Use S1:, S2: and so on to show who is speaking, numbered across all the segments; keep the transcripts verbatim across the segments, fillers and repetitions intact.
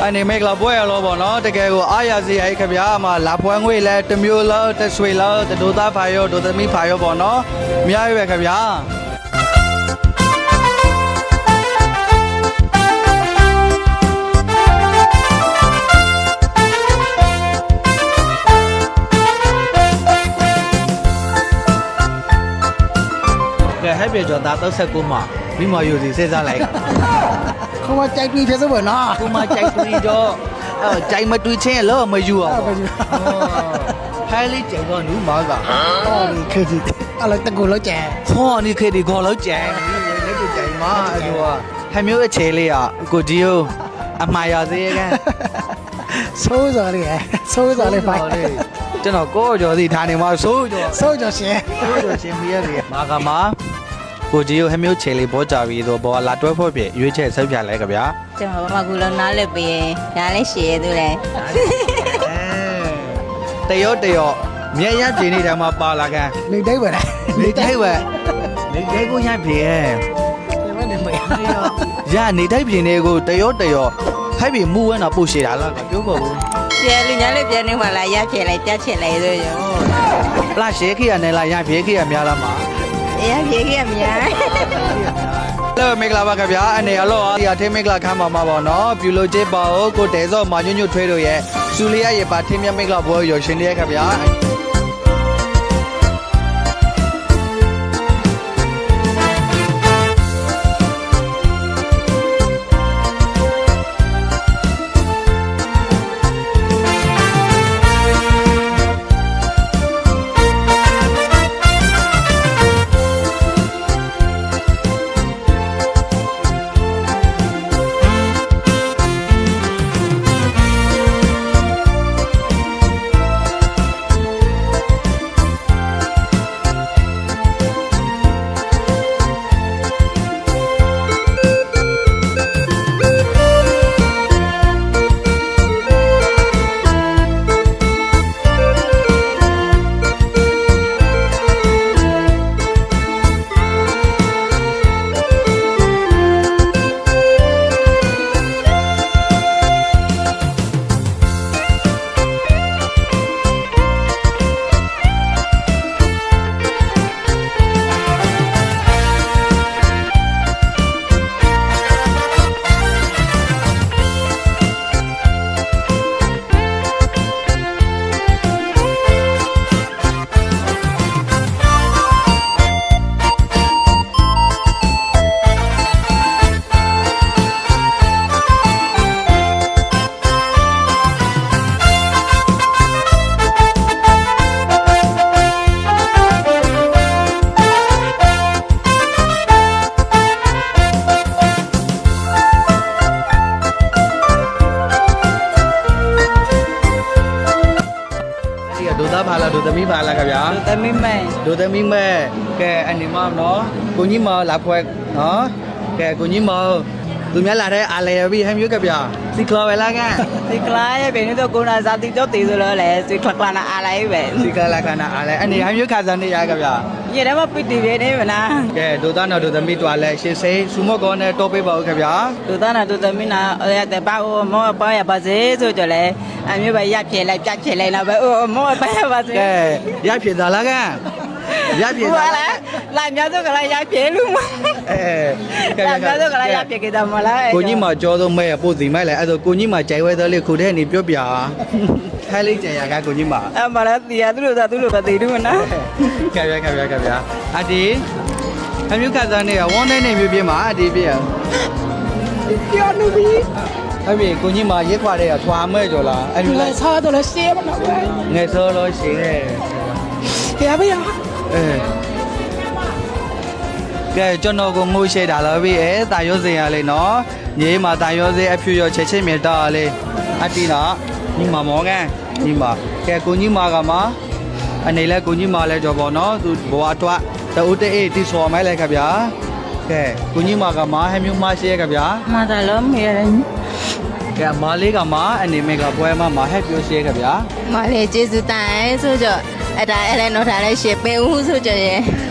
S1: အနေမိတ်လာပွဲရလို့ပေါ့နော်တကယ်ကိုအားရစီအိခင်ဗျာမှာလာပွဲငွေလဲတစ်မျိုးလားတစ်ဆွေလားတဒိုသားဖာရောဒိုသမီးဖာရောပေါ့နော်အများကြီးပဲခင်ဗျာကဲဟဲ့ပြေကျော်သားတော့ဆက်ကူမှာမိမယူစီစေးစားလိုက်
S2: เขาว่าใจดีเท่าไหร่เนาะ
S1: ကူမကြိုက်တူတော့အဲကြိုက်မတူချင်းလောမယူအောင်ဟဲလေးကြိုက်တော့နူးမာက
S2: อ๋อนี่คือที่อะไรตะโกนแล้วแจ
S1: ဟောนี่ခေဒီခေါ်လို့ကြိုက်လက်တူကြိုက်မှာအဲ့လိုဟဲမျိုးအခြေလေးอ่ะကိုကြီးကိုအမှားရသေးရဲ့
S2: ဆိုးစားလေးဆိုးစားလေးဖိုင်
S1: ကျွန်တော်ကိုကျော်စီထားနေမှာဆိုးကျော်
S2: ဆိုးကြောရှင်
S1: ဆိုးကျော်ချင်းပြရတယ်မာကမှာကိုကြီးကိုဟဲမျိုးခြေလေးပေါ်ကြပြီးတော့ဘောလာတွဲဖို့ပြရွေးချက်ဆက်ပြလိုက်ကြဗျာ
S3: ကျွန်တော်ဘာကူလုံးနားလက်ပေးဒါလည်းရှည်ရသူလဲ
S1: တရောတရောမြဲရပြင်းနေတယ်မှာပါလာကန်
S2: နေတိုင်းပဲလား
S1: နေတိုင်းပဲနေတိုင်းကိုရပြင်းရဲ့
S2: ဒီမှာနေမရ
S1: ရနေတိုင်းပြင်းနေကိုတရောတရောဟဲ့ပြီမူဝဲတော့ပို့ရှည်တာလားပြောပါဦး
S3: ပြန်လူညာလေးပြန်နေမှလာရပြလိုက်ပြချင်လိုက်ဆိုရော
S1: လာရှေခိရနဲ့လာရပြင်းခိရများလားမှာ
S3: ရပြခဲ့မြာ
S1: လောမင်္ဂလာပါခင်ဗျာအနေအလောဒီအထင်းမင်္ဂလာခမ်းပါမှာပေါ့နော်ပြူလို့ချစ်ပါဦးကိုတဲစောမာညွညွထွေးတို့ရဲ့စူလီယာရဲ့ပါထင်းမြတ်မင်္ဂလာပွဲရောရှင်လေးခင်ဗျာဒိုသားပါလားဒိုသမီးပါလားခင်ဗျာ
S3: တမင်းမဲ
S1: ဒိုသမီးမဲကဲအနေမနော်ကိုကြီးမလာဖွဲနော်ကဲကိုကြီးမသူများလာတဲ့အားလဲပြီးဟဲမျိုးကဗျာစီကလာပဲလားက
S3: ဒီကလာရဲ့ဘယ်နည်းတော့ကိုနာစာတိတော့တည်ဆိုလို့လဲစီခလကလာနာအားလိုက်ပဲ
S1: စီကလာခနာအားလဲအနေဟဲမျိုးခါစံနေရကဗျာ
S3: ရေထဲမှာပိတ်တည်နေနေမလား
S1: ကဲဒိုသားနော်ဒိုသမီးတွာလဲရှင်းစိစူမော့ကောနဲ့တော့ပေးပါဦးခင်ဗျာ
S3: သူသားနာသူသမီးနာရတဲ့ပါအိုမောပါရပါစေဆိုကြလဲအမျိုးပဲရပြလိုက်ပြချင်လိုက်တော့ပဲအိုမောပါရပါစေ
S1: ကဲရဖြစ်သားလားကရဖြစ်
S3: ဘာ
S1: သား
S3: လဲလာများစုကလာရပြလူမ
S1: အဲကဲ
S3: လာများစုကလာရပြကြတယ်မလား
S1: ကိုကြီးမကြောသုံးမဲပို့စီမိုက်လဲအဲ့ဒါကိုကြီးမကြိုက်ဝဲသားလေးခုထဲနေပြောပြထဲလေးကြံရကကိုကြီးမ
S3: အမလားတရားသူတို့သာသူတို့ပဲတည်လို့နော်
S1: ကဲဗျာကဲဗျာကဲဗျာအတီအမျိုးကစားနေရဝန်းနေနေမျိုးပြမှာအတီပြ
S2: ပြောနေပြီ
S1: အဲ့ဒီကိုကြီးမရက်ခွာတဲ့ထွာမဲကြော်လားအဲ့
S2: ဒီ
S1: ဒီ
S2: လဲ
S1: လဲ
S2: စားတော့လဲရှင်းမနော်ဗျာ
S1: ငယ်စောလို့ရှိရဲ့
S2: แกไม่ยอม
S1: အဲကဲကျွန်တော်ကိုငိုရှိတာလားဗျအဲတာရောစင်ရလေနော်ညီမတာရောစင်အဖြူရောချက်ချင်းမြတာလေအတီနော်ညီမမောကန်ညီမကဲကိုကြီးမကမအနေလဲကိုကြီးမလဲကြော်ပေါ့နော်သူဘဝတွတ်တူတေးအေးတီဆော်မဲလဲခဗျာကဲကိုကြီးမကမဟဲမျိုးမရှိရခဗျာ
S3: မသာလုံးမြဲတယ်
S1: ကဲမာလေးကမအနေမဲ့ကပွဲမှာမဟက်ပြောရှိရခဗျာ
S3: မလေးကျေးဇူးတိုင်ဆိုကြအဲ့ဒါအဲ့လည်းတော့ထားလဲရှေ့ပင်ဦးဆိုကြရဲ့
S1: က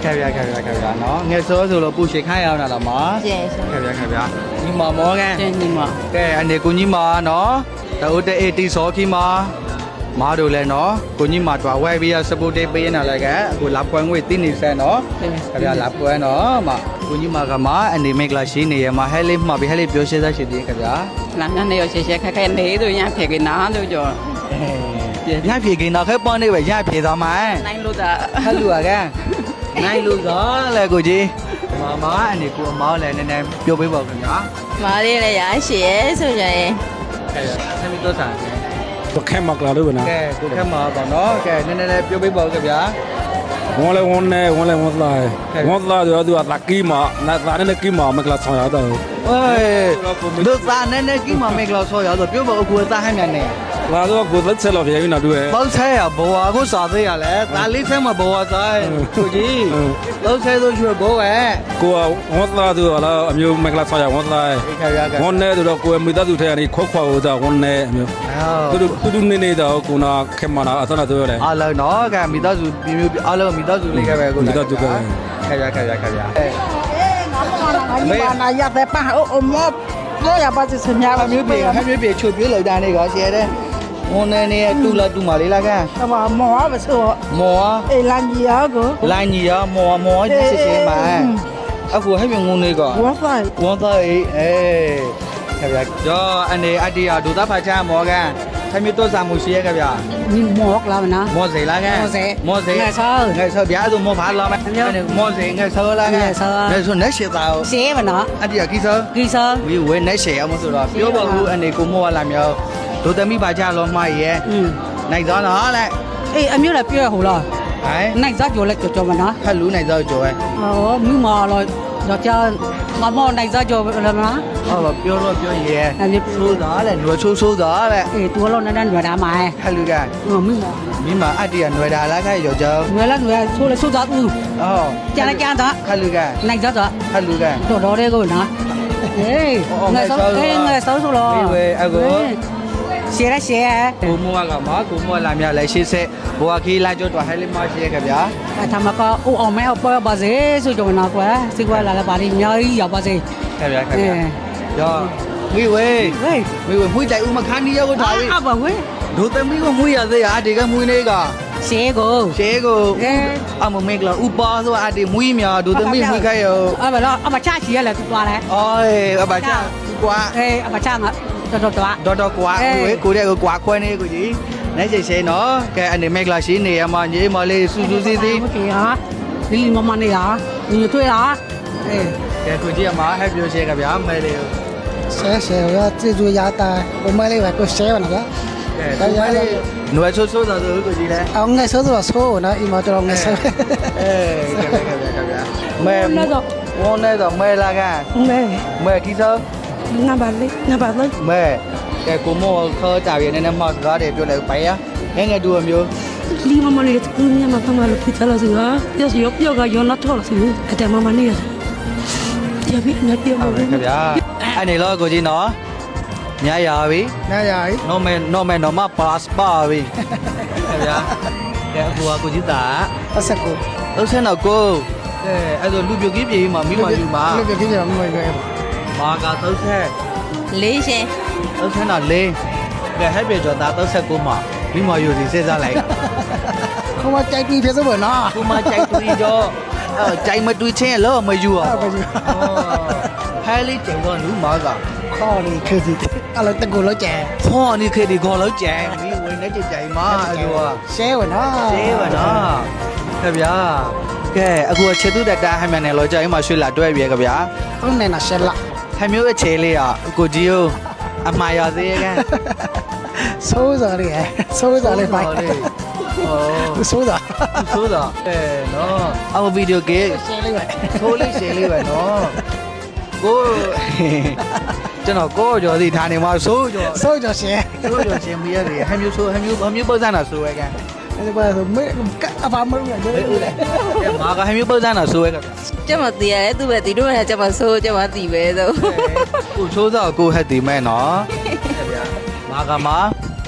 S1: ခဲ့ဗျာခဲ့ဗျာခဲ့ဗျာနော်ငယ်စောဆိုလို့ပူရှိခိုင်းရအောင်လားမ
S3: ကျဲဆို
S1: ခဲ့ဗျာခဲ့ဗျာညီမမောကန်
S3: ကျဲညီမ
S1: ကဲအနေကိုကြီးမနော်တအိုးတေးတီစောခီမာမားတို့လည်းနော်ကိုကြီးမတွားဝဲပြီးရစပူတေးပေးနေလာကအခုလာပွဲငွေတင်းနေစဲနော်ခင်ဗျာလာပွဲနော်မကိုကြီးမကမအနေမိတ်လာရှိနေရမှာဟဲလေးမှာပြီးဟဲလေးပြောရှင်းသားရှိသေးခင်ဗျာ
S3: လာနေရရှေရှေခက်ခဲနေသူရဖေကနာလို့ကြော
S1: ရဖြေကိန်းတော့ခဲပေါ်နေပဲရဖြေသွားမှာ
S3: နိုင်လို့သာ
S1: ဟဲလူကနိုင်လူသောလေကိုကြီးမမအနေကိုအမောင်းလည်းနည်းနည်းပြောပေးပါခင်ဗျာ
S3: မားလေးလည်းရရှေဆိုကြရင်
S1: ကဲဆက်ပြီးတော့ဆန်ကဲ
S2: ဘခဲမကလာလို့နော်
S1: ကဲကိုခဲမှာပေါ့နော်ကဲနည်းနည်းလေးပြောပေးပါဦးခင်ဗျာ
S2: ဝန်လဲဝန်နဲ့ဝန်လဲဝန်လာဝန်လာတော့သူကတကီမာနာသားနဲ့ကီမာမကလာဆောင်ရတော့
S1: เอ้ยတို့သားနည်းနည်းကြီးမမေကလောက်ဆောရတော့ပြောပါအခုသားဟမ်းမြန်နေ
S2: လာတော့ကိုသက်ဆက်လို့ပြေပြီနော်သူရဲ့
S1: ပေါက်ဆဲရဘဝကိုစားသေးရလဲသားလေးဆဲမှာဘဝစားကိုကြီးလောက်ဆဲဆိုရွှေဘောပဲ
S2: ကိုကဝန်လာသူကလားအမျိုးမကလာဆောင်ရဝန်လာ
S1: ဒီခါရက
S2: ဝန်နဲ့တော့ကိုမိသားစုထဲကနေခွက်ခွာဟိုတော့ဝန်နဲ့အမျိုးသူတို့သူတို့နေနေတော့ကိုနာခဲမနာအသနာတော့လေ
S1: အားလုံးတော့ကမိသားစုပြမျိုးအားလုံးမိသားစုလေးကပဲကိုခါရခါရခါရ
S3: မေနာရတဲ့ပါအိုမောလို့ရပါစစမြာ
S1: ဟမျိုးပြေဟမျိုးပြေချုပ်ပြေလောက်တာနေကောရှယ်တဲ့ဝန်နေနေတူလာတူမာလေးလားက
S3: ကမမောမဆို
S1: မော
S3: အေလန်ကြီးရောကို
S1: လိုင်းကြီးရမောမောကြီးစစ်စစ်မှာအခုဟဲ့မြငုံနေကော
S3: ဝတ်ဆိုင်
S1: ဝန်သားအေးအေးခင်ဗျာကြောအနေအတ္တရဒုသဖာချာမောကန်ခမျိုးတော့စာမှုရှိရခင်ဗျာ
S3: ညီမောကလာမနာ
S1: မောစေလားကန်မောစေ
S3: ငယ်ဆော
S1: ငယ်ဆောဗျာဆိုမောဖာလာမယ်မောစေငယ်ဆောလားကန်ငယ်ဆိုနေရှိတာ
S3: ရှေးမနော်
S1: အတ္တရကိဆော
S3: ဂီဆော
S1: ဝီဝဲနေရှိအောင်ဆိုတော့ပြောပါဘူးအနေကိုမောလာမြောဒုသမီးပါချလောမရဲ့
S3: อืม
S1: နိုင်သောနော်လေ
S3: အေးအမျိုးလည်းပြောဟိုလား
S1: ဟိုင်း
S3: နိုင်စားကြော်လည်းကြော်ကြော်မနော်
S1: ဖက်လူနိုင်သောကြောဲ
S3: ဟောမြူမာတော့တော့ကြာမမောနိုင်စားကြော်လည်းမနော်
S1: ဟောပြောတော့ပြောရဲ
S3: အဲ့ဒီ
S1: ဆိုးသားလေနွယ်ဆိုးဆိုးသားလေ
S3: အေးတူလို့နန်းနန်းရွယ်တာမှာ
S1: ဖက်လူက
S3: ဟောမြူမာ
S1: မိမအတ္တရနွယ်တာလားခိုင်ရောကြော
S3: ရွယ်လည်းရွယ်ဆိုးလည်းဆိုးသားဦး
S1: အော်
S3: ကြာလည်းကြာတော့
S1: ဖက်လူက
S3: နိုင်စားတော့
S1: ဖက်လူက
S3: တော်တော်လေးကိုနော်အေးငါဆောင်းအေးငါဆောင်းဆိုလို့ရှေးရရှေး
S1: ကိုမောကမှာကိုမောလာမြလဲရှေ့ဆက်ဘွာခီလာကျွတ်တော့ဟဲလီမရှိရခဗျာ
S3: အထမကအိုအောင်မဲအပေါ်ပါစေဆိုကြနော်ကွာစီကွာလာလာပါလိညာကြီးရောက်ပါစေ
S1: ခဗျာခဗျာရောမိဝေး
S3: ဟေး
S1: မိဝေးမွေးတိုင်ဦးမခါနီရောက်ထားပြီ
S3: အဘဝေး
S1: ဒုသမီးကမွေးရသေးရဒီကမွေးနေက
S3: ရှေးကို
S1: ရှေကို
S3: အေး
S1: အမမေကလာဥပါဆိုအဒီမွေးမြဒုသမီးမွေးခိုင်ရော
S3: အဘလားအမချချီရလဲသူသွားလဲ
S1: အော်အဘချာကွာ
S3: အေးအမချငါတော်တော်တော်
S1: တော်တော်ကွာဝေးကိုတဲ့ကွာခွဲနေကိုကြီးနိုင်ချေရှေနော်ကဲအနေမေကလာရှိနေရမှာညီမလေးစူးစူးစီးစီး
S3: မကေဟာဒီလီမမနေဟာညီတွေ့လားအေး
S1: ကဲကိုကြီးအမဟဲ့ပြောရှေခဗျာမဲလေး
S2: ဆဲဆဲရကျေးဇူးရတာဘမလေးကကိုဆဲဝနာက
S1: ကဲကိုမလေးနွယ်ဆိုးဆိုးတာဆိုကိုကြီးလဲ
S2: အောင်ငယ်ဆိုတော့ဆိုနော်အီမတော်ငယ်ဆဲ
S1: အေးကဲကဲကဲကဲမဲဝန်နေတော့မဲလာကန်
S3: မဲ
S1: မဲခီစော
S3: ငါပါလေငါပါလေ
S1: မဲကဲကိုမောခေါ်ကြပြီနည်းနည်းမှစကားတွေပြောလိုက်ပိုင်ရငယ်ငယ်တူမျိုး
S4: လီမမလေးကူညမကမလို့ဖြစ်လာစီကပြောစီပြောကရောလာတော့စီအတဲမမနေရကြပြီနေပြောမ
S1: ဟုတ်
S4: လို့
S1: ကဲ့ဗျာအဲ့နေတော့ကိုကြီးနော်ညရပြီ
S2: နားရည်
S1: နော်မဲနော်မဲနော်မပတ်စပါပြီခင်ဗျာကဲအခုကကိုကြီးတာ
S2: အဆက်ကို
S1: လုံးဆန်းတော့ကိုကဲအဲ့ဆိုလူပြိုကြီးပြေးမှာမိမယူမှာ
S2: လူပြပြပြမမရွယ်
S1: မာကသုံးဆက်
S3: လေးရှင်
S1: သုံးဆန်းတော့လေးကဲဟဲ့ပြေကျော်သားသုံးဆက်ကိုမှမိမယူစီစေးစားလိုက်
S2: ခေါမကြိုက်ပြီးဖြစ်စဘောနော်
S1: ကိုမကြိုက်တူကြောအဲ့ကြိုက်မတူချင်းလောမယူอ่ะဟဲလေးကျင်တော့လူမာက
S2: ခေါ်နေခေစီအလောတကူလောက်ကျဲ
S1: ဖောนี่ခေဒီခေါ်လောက်ကျန်မိဝင်နေကြကြိုင်မှာအဲ့လိုอ่ะ
S2: ဆဲဝနော်
S1: ရှင်းပါနော်ခင်ဗျာကဲအခုခြေသူတက်တာဟမ်းမြန်နယ်လောကြိုင်မှာရွှေလာတွဲပြေခင်ဗျာ
S2: ဟုတ်နေနာရှဲလာ
S1: ဟမ်းမျိုးအခြေလေးอ่ะကိုကြီးကိုအမှားရသေးရဲ့ကန်
S2: ဆိုးစားလေးဆိုးစားလေးဖိုင်
S1: ဟော
S2: ဆိုးစား
S1: ဆိုးတာအဲနော်အမဗီဒီယိုကေ
S2: ရှဲလေးပဲ
S1: ထိုးလေးရှင်းလေးပဲနော်ကိုကျွန်တော်ကိုကျော်စီထားနေမှာဆိုးကျော်
S2: ဆိုးကြရှဲ
S1: ဆိုးကျော်ရှင်းပြရတယ်ဟမ်းမျိုးဆိုးဟမ်းမျိုးဟမ်းမျိုးပုတ်စမ်းတာဆိုးရဲ့ကန်
S2: အဲ့ဒါဆိုမေအဖာမလို့ရတယ်
S1: ကဲမာကဟမ်းမျိုးပုတ်စမ်းတာဆိုးရဲ့ကန်
S3: ကျမတီးရတယ်သူပဲတီးတော့ကျမဆိုးကျမတီးပဲဆို
S1: ကိုချိုးစောကိုဟက်တီမဲနော်ခင်ဗျာမာကမာ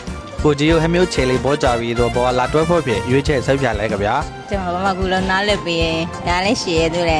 S1: ကိုကြီးကိုဟမျိုးချေလေးပေါ်ကြပြီးတော့ဘောလာတွဲဖို့ဖြစ်ရွေးချက်ဆက်ပြလိုက်ကြဗျာ
S3: ကျွန်တော်ဘာမှကူလုံးနားလက်ပြီးဒါလည်းရှည်ရသူလေ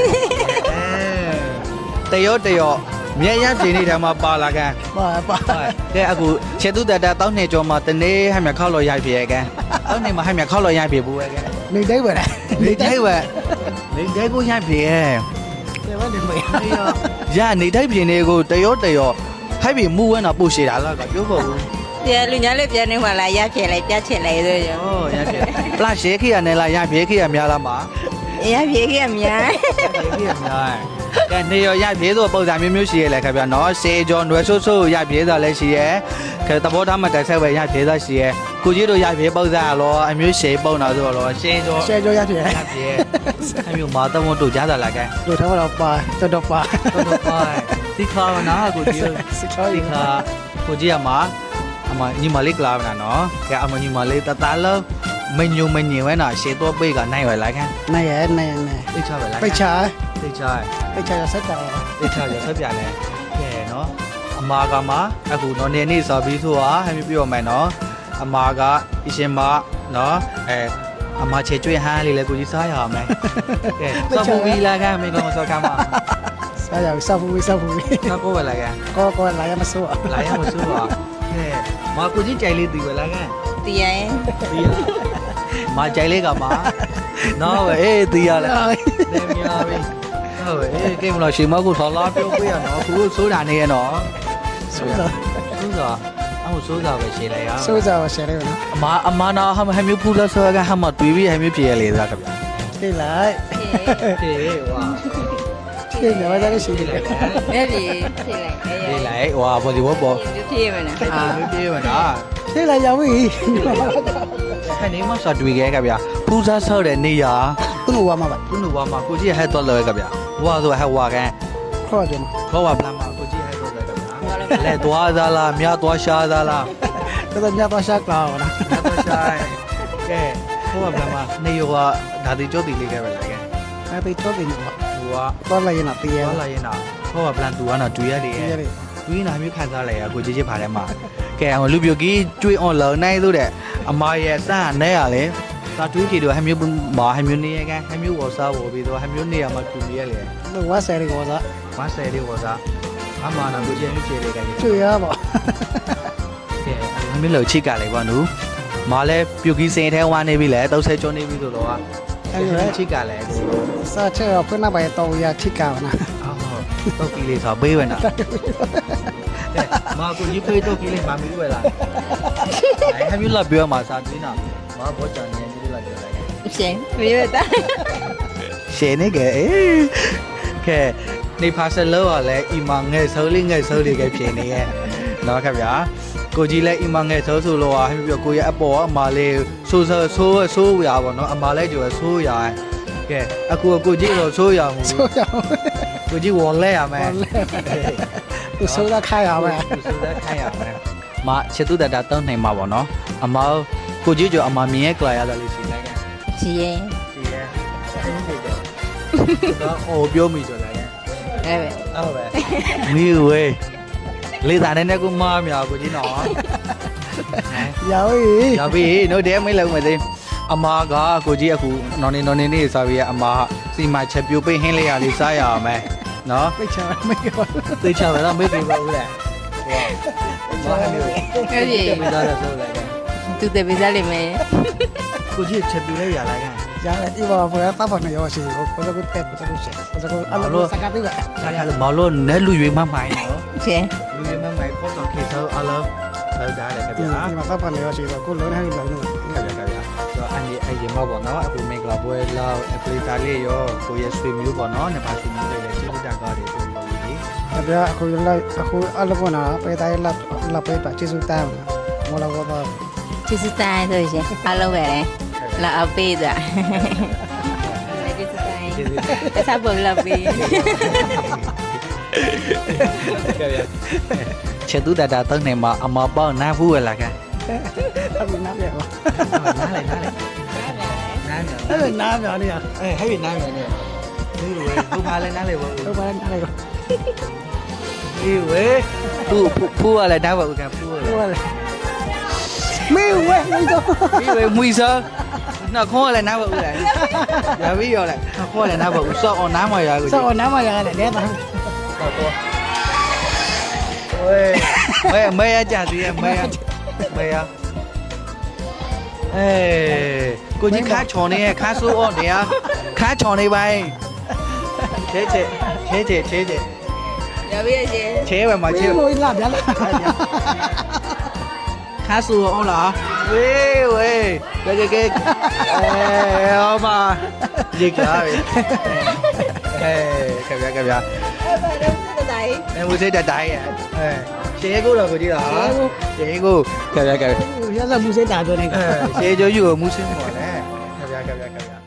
S1: တရောတရောမြဲရပြင်းနေတဲ့မှာပါလာကန်
S5: ပါပါ
S1: ကဲအခုခြေသူတတတောင်းနေကြောမှာတနေ့ဟမြခောက်လို့ရိုက်ပြေကန်တောင်းနေမှာဟမြခောက်လို့ရိုက်ပြေဘူးပဲကန်
S5: နေတိုင်းပဲလား
S1: နေတိုင်းပဲနေတိုင်းကိုရိုက်ပြေ
S5: တယ်ဝနေမေး
S1: ရနေတိုင်းပြင်းနေကိုတရောတရောဟဲ့ပြီမူဝဲတော့ပို့ရှည်တာလားကပြောဖို့ဘူး
S3: ပြန်လူညာလေးပြန်နေမှလာရဖြေလိုက်ပြချင်လိုက်ဆိုရ
S1: ဩရိုက်ပြေပလရှေခိရနဲ့လားရိုက်ပြေခိရများလားမှာ
S3: ရဖြေခဲ့အများ
S1: ခိရများကဲနေရရိုက်ပြေဆိုပုံစံမျိုးမျိုးရှိရလေခင်ဗျာနော်စေကျော်နွယ်ဆိုးဆိုးရိုက်ပြေတာလည်းရှိရဲကဲတဘောသားမတိုက်ဆက်ပဲရိုက်ပြေတာရှိရဲကိုကြီးတို့ရိုက်ပြေပုံစံလောအမျိုးရှေပုံတာဆိုတော့ရှေကျော်
S5: ရှယ်ကြောရပြည့်
S1: ရိုက်ပြေအမျိုးမာတမတို့ကြားတာလားကဲ
S5: တို့ထားတော့ပါတော်တော်ပါ
S1: တော်တော်ပါဒီခါမနာကိုကြီး
S5: စစ်ချော
S1: ဒီ
S5: ဒီ
S1: ခါကိုကြီးအမအမညီမလေးကလာမနာနော်ကဲအမညီမလေးတတလုံးမညုံမညင်ဝဲနာရှေတော့ပိတ်ကနိုင်ရလိုက်ခံ
S5: နိုင်ရနိုင်နေ
S1: ပိတ်ချပဲလား
S5: ပိတ်ချ
S1: ပိတ်ချ
S5: ပိတ်ချရဆက်တာ
S1: ပိတ်ချရဆက်ပြလဲကဲနော်အမာကမှအခုနော်နေနေဆိုပြီးဆိုတာဟမ်းပြောမယ်နော်အမာကအရှင်မနော်အဲအမချေကျွေးဟန်းလေးလေကိုကြီးစားရအောင်မယ်ကဲစောပူပြီးလာခံမေကောင်စောကမှာ
S5: စားရစားဘူးစားဘူး
S1: စောကိုပဲလာခံ
S5: ကောကောလာရမစိုး
S1: လာရမစိုးပါကဲမကိုကြီးကြိုင်လေးတီပဲလာခံ
S3: တည်ရင်
S1: တီးရမကြိုင်လေးကမှာနော်ပဲအေးတီးရလဲနေမြာပြီဟုတ်ပဲအေးကိမလို့ရှင်မကိုထော်လာပြောပြရနော်သူတို့စိုးတာနေရနော်
S5: စိုးစား
S1: စိုးတာအခုစိုးတာပဲရှင်းလိုက်ရ
S5: စိုးစားရှယ်ရနော်
S1: အမအမနာဟမဟမျိုးဖူလို့ဆိုကဟမတွေးပြီးဟမျိုးပြေလေသားကဗျာ
S5: ထိလိုက်
S1: ပြေဝါ
S5: ထိနေပါသားရှိတယ်
S3: အဲ့ဒီဖြေလိုက်
S1: ပြေလိုက်ဝါဘောဒီဘောဘော
S3: ဖြေမနာ
S1: အာပြေမနာ
S5: ထိလိုက်ရောက်ပြီ
S1: ခဏမဆော့တွေးခဲ့ကဗျာဖူးစားဆော့တဲ့နေရ
S5: သူ့ဝါမှာပါ
S1: ခုနဝါမှာကိုကြီးဟဲ့တော့လဲကဗျာဝါဆိုဟဲ့ဝါကန်
S5: ခေါ်ကြမှာ
S1: ခေါ်ဝါပလမ်းမှာကိုကြီးဟဲ့တော့လဲကဗျာလဲသွားသားလားမြသွားရှာသားလား
S5: တော်တော်များပါရှာကောင်းလား
S1: မြသွားရှာကဲခေါ်ဝါပလမ်းမှာနေရောဒါတီကျိုးတီလေးခဲ့ပဲလေကဲ
S5: အဲ့ဒီတော့တင်ပါ
S1: ဟိုက
S5: တော့လိုက်ရင်တော့တည်ရ
S1: သွားလာရင်တော့ခေါ်ဝါပလမ်းသူကတော့တွေ့ရတယ်
S5: တည်ရတယ်
S1: တွင်းနာမျိုးခံစားလိုက်ရကိုကြီးချစ်ပါထဲမှာကဲအောင်လူပြိုကြီးကျွေး online နိုင်လို့တဲ့အမရဲ့စမ်းနဲ့ရလေသာတွေးကြည့်တော့ဟမျိုးမာဟမျိုးနေရကန်ဟမျိုးဝစားဝပြီးတော့ဟမျိုးနေရမှာတူရလေ
S5: လို့ဝါဆယ်ရီကောစား
S1: မဆယ်လေးဝစားအမနာကိုကြီးမျိုးချေလေးကန်
S5: ကျွေရပါ
S1: ကဲဟမျိုးလောက်ချိကလိုက်ပါနူမာလဲပြိုကြီးစင်ထဲဝါနေပြီလေတောက်ဆဲကျွန်းနေပြီဆိုတော့အဲ့ဒီချိကလဲ
S5: စားချေဖွင့်နာပါတော့ရချိကောင်းနာ
S1: အော်တော့ကလေးဆိုပေးဝနာမာကိုကြီးပေးတော့ကလေးမမီးဝဲလာဟမျိုးလာပြောမှာစားသေးနာမဘောချန်နေပြီလာပြောလိုက်
S3: ရှင်ပြေတာ
S1: ရှယ်နေကဲအေးကဲနေပါဆယ်လောကလည်းအီမငဲ့ဆိုးလေးငဲ့ဆိုးလေးကဖြစ်နေရဲ့နော်ခင်ဗျာကိုကြီးလည်းအီမငဲ့ဆိုးဆိုးလောကဟိပြောကိုရဲ့အပေါ်အမလေးဆိုးဆိုးဆိုးဆိုးရပါတော့အမလည်းကျော်ဆိုးရကဲအခုကိုကြီးတော့ဆိုးရမှု
S5: ဆိုရ
S1: ကိုကြီးဝေါ်လဲရမယ်
S5: သူဆိုးတာခိုင်းရမယ်
S1: ဆိုးတဲ့ခိုင်းရမယ်မချစ်သူတတာတောင်းနိုင်မှာပေါ့နော်အမကိုကြီးကျော်အမမြင်ရဲ့ကြလာရတယ်လို့ရှိလိုက်ကဲ
S3: ရှင်
S1: ရှိရဲ့တော့ဟိုပြောမိကြလားကဲ
S3: အဲ့ပဲ
S1: ဟုတ်ပဲမီဝေးလေးသားနဲ့ကူမားမြောက်ကိုကြီးနော်
S5: ရောက်ပြီ
S1: ရောက်ပြီတို့တဲမိတ်လောက်မယ်သေးအမားကကိုကြီးအခုနော်နေနော်နေနေစားပြီးအမားစီမချက်ပြိုပိတ်ဟင်းလေးရလေးစားရအောင်မယ်နော်
S5: ပိတ်ချမေးပါ
S1: သိချမယ်တော့မေ့ပြီပါဦးလေဟောဘာမျိုး
S3: အဲ့ဒီ
S1: မိသားစုဆိုလိုက်ကဲ
S3: သူတေပေးစားလိမ့်မယ်
S1: ကိုကြီးချက်ပြိုလေးရလိုက်ကဲ
S5: ရတယ်ဒီဘာပေါ်တာပါနေရောရှိကိုကိုကိုတက်ကိုကိုရှိကိုကိုအလောစကားပြပါ
S1: စားရလို့မလို့နဲ့လူရွေးမမိုင်းနော်
S3: ရှင်
S1: လူရွေးမမိုင်းပေါ်တော့ခေသောအလောလောက်ကြတယ်ခင်
S5: ဒီ
S1: ဗျာ
S5: ဒီမှာပါနေရောရှိကိုလုံးဟိုင်းလုံးလို့
S1: ခင်ဗျာခင်ဗျာတော့အန်ဒီအရင်မပေါ့နော်အခုမင်္ဂလာပွဲလောက်အပလီတာလေးရောကိုရဲ့ဆွေမျိုးပေါ့နော်နှစ်ပါးဆွေမျိုးလေးလည်းကျေးဇူးတက်ကားတွေဆိုလို့ဒီ
S5: တပြအခုလိုက်အခုအလောကနာပေတိုင်းလက်လက်ပေပါကျေစုတမ်းမလာတော့
S3: ကျေးဇူးတိုင်းဆိုရှင်အားလုံးပဲလာအပေးတာကျေးဇူးတိုင်းအစားပေါ်လာပေး
S1: ချက်သူတတာတောင်းနေမှာအမပေါ့နားဘူးလာကဲ
S5: အခုနားပြပါ
S1: နားလေနားလေနားလေ
S5: အဲ့နားပြနေရ
S1: အေးဟဲ့နားလေနေဒီဝေဘူပါလေနားလေဘော
S5: တော့ပါနားလေတော့
S1: ဒီဝေဖူဖူဖူရလေနားဘောကဖူရလေ
S5: ဟုတ်လေမေးဝဲနေတော့
S1: ပြီးဝေမွေစနော်ခေါ်လည်းနားပါဦးလားရပြီးရောလဲခေါ်လည်းနားပါဦးစောအောင်နားမရဘူး
S5: စောနားမရတယ်လဲတာ
S1: ဝေးမဲမဲရကြစီမဲရမဲရအေးကိုကြီးခါချော်နေခါဆိုးအောင်တရားခါချော်နေပိုင်းချဲချဲချဲချဲချဲချဲ
S3: ရပြီရှင်
S1: ချဲပဲမှာချဲ
S5: မေးလို့လာဗျာလား
S1: ခါဆိုးအောင်လားဝေးဝေးကဲကဲကဲအေးဟောမှာဒီကားပဲအေးကဗျာကဗျာ
S3: အဲ့ဘာလဲစစ်တိုင်
S1: အဲဝစိတ်တိုင်းရဲ့အဲရှေးကိုတော့ကိုကြည့်တာရှေးကိုကဗျာကဗျာ
S5: ရသမှုစိတ်တာတော့နေ
S1: အဲရှေးကျိုးယူကိုမူးစင်းပေါ်လဲကဗျာကဗျာကဗျာ